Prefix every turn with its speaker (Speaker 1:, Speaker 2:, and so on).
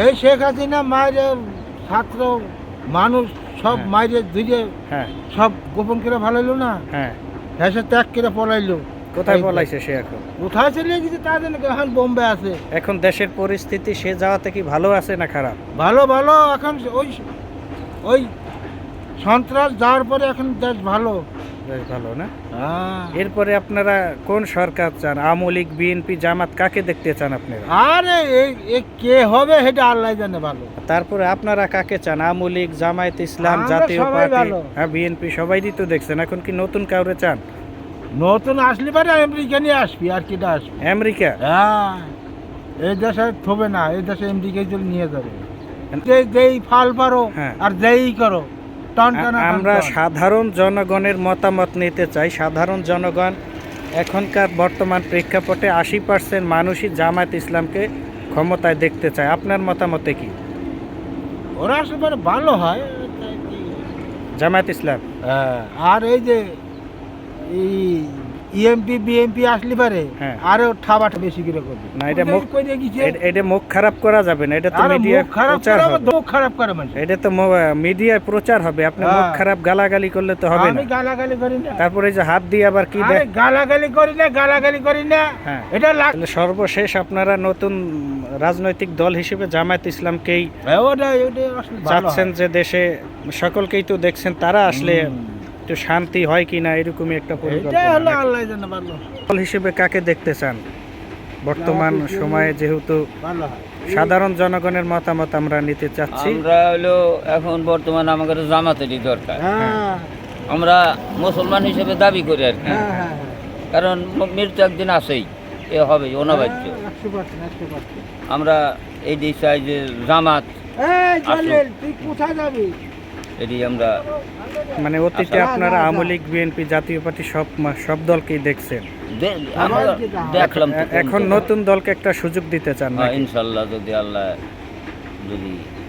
Speaker 1: এই শেখ হাসিনা মায়ের ছাত্র মানুষ সব
Speaker 2: হ্যাঁ।
Speaker 1: মায়ের ধুয়ে
Speaker 2: হ্যাঁ
Speaker 1: সব গোপন করে ভালাইলো না,
Speaker 2: হ্যাঁ,
Speaker 1: দেশে ত্যাগ করে পলাইলো।
Speaker 2: কোথায়
Speaker 1: এই-
Speaker 2: পলাইছে সে এখন?
Speaker 1: কোথায় চলে গেছে তা জানে না, এখন বোম্বে আছে।
Speaker 2: এখন দেশের পরিস্থিতি সে যাওয়াতে কি ভালো আছে না খারাপ?
Speaker 1: ভালো ভালো, এখন ওই ওই সন্ত্রাস যাওয়ার পরে এখন দেশ ভালো।
Speaker 2: বেশ ভালো না?
Speaker 1: হ্যাঁ।
Speaker 2: এরপরে আপনারা কোন সরকার চান? আওয়ামী লীগ, বিএনপি, জামাত, কাকে দেখতে চান আপনারা?
Speaker 1: আরে এ কে হবে সেটা আল্লাহ জানে ভালো।
Speaker 2: তারপরে আপনারা কাকে চান? আওয়ামী লীগ, জামায়াত ইসলাম,
Speaker 1: আমরা
Speaker 2: জাতীয়
Speaker 1: সবাই
Speaker 2: পার্টি,
Speaker 1: ভালো।
Speaker 2: হ্যাঁ বিএনপি, সবাইই তো দেখছেন। এখন কি নতুন কাউরে চান?
Speaker 1: নতুন আসলে পারে আমেরিকা নিয়ে আসবি, আর কিটা আসবি।
Speaker 2: আমেরিকা?
Speaker 1: হ্যাঁ, এই দেশে থবে না, এই দেশে আমেরিকায় চলে নিয়ে যাবে। যেই ফাল পারো
Speaker 2: হ্যাঁ।
Speaker 1: আর যেই করো টন টানা টান
Speaker 2: আমরা
Speaker 1: টান।
Speaker 2: সাধারণ জনগণের মতামত নিতে চাই। সাধারণ জনগণ এখনকার বর্তমান প্রেক্ষাপটে 80% মানুষই জামায়াত ইসলামকে ক্ষমতায় দেখতে চায়। আপনার মতামতে কি?
Speaker 1: ওরা আসলে পারে ভালো হয়।
Speaker 2: জামায়াত ইসলাম?
Speaker 1: হ্যাঁ, আর এই যে ইএমপি বিএমপি আসলে পারে
Speaker 2: হ্যাঁ।
Speaker 1: আরো ঠাবাটা বেশি করে করবে।
Speaker 2: না, এটা
Speaker 1: ওদের
Speaker 2: মুখ-
Speaker 1: কইরে গেছে,
Speaker 2: এটা মুখ খারাপ করা যাবে না, এটা তো
Speaker 1: আরে
Speaker 2: মিডিয়া
Speaker 1: মুখ খারাপ
Speaker 2: প্রচার
Speaker 1: করে
Speaker 2: হবে।
Speaker 1: আবার মুখ খারাপ করে মানুষ।
Speaker 2: এটা তো মিডিয়ায় প্রচার হবে। আপনি মুখ
Speaker 1: হ্যাঁ।
Speaker 2: খারাপ গালাগালি করলে তো হবে না।
Speaker 1: আমি গালাগালি করি না।
Speaker 2: তারপরে এই যে হাত দিয়ে আবার কি
Speaker 1: আরে
Speaker 2: দেয়?
Speaker 1: গালাগালি করি না, গালাগালি করি না।
Speaker 2: হ্যাঁ।
Speaker 1: এটা লাগ
Speaker 2: তাহলে সর্বশেষ আপনারা নতুন রাজনৈতিক দল হিসেবে জামায়াত ইসলামকেই
Speaker 1: ওটা আসলে ভালো
Speaker 2: চাচ্ছেন,
Speaker 1: হয়।
Speaker 2: যে দেশে সকলকেই তো দেখছেন, তারা আসলে
Speaker 1: হুম।
Speaker 2: একটু শান্তি হয় কিনা এরকমই একটা
Speaker 1: এটাই
Speaker 2: পরিকল্পনা
Speaker 1: হলো
Speaker 2: নাকি?
Speaker 1: আল্লাহ জানে ভালো।
Speaker 2: দল হিসেবে কাকে দেখতে চান বর্তমান
Speaker 1: জামায়াত ইসলামী
Speaker 2: সময়ে, যেহেতু
Speaker 1: ভালো হয়।
Speaker 2: সাধারণ জনগণের মতামত আমরা নিতে চাচ্ছি?
Speaker 3: আমরা হলো এখন বর্তমানে আমাদের জামাতেরই দরকার।
Speaker 1: হ্যাঁ
Speaker 3: আমরা মুসলমান হিসেবে দাবি করি আর কি,
Speaker 1: হ্যাঁ হ্যাঁ
Speaker 3: কারণ মৃত্যু একদিন আসেই, এ হবে অনবাহ্য।
Speaker 1: 100%।
Speaker 3: আমরা এই দিক চাই যে জামাত
Speaker 1: এই জালিল, তুই কোথায় যাবি?
Speaker 3: এটি আমরা
Speaker 2: মানে অতীতে
Speaker 1: আচ্ছা।
Speaker 2: আপনারা
Speaker 1: না, না,
Speaker 2: আওয়ামী
Speaker 1: না।
Speaker 2: লীগ, বিএনপি, জাতীয় পার্টি সব দলকেই দেখছেন।
Speaker 3: আমরা দেখলাম তো
Speaker 2: এখন নতুন দলকে একটা সুযোগ দিতে চান নাকি?
Speaker 3: ইনশাল্লাহ যদি আল্লাহ যদি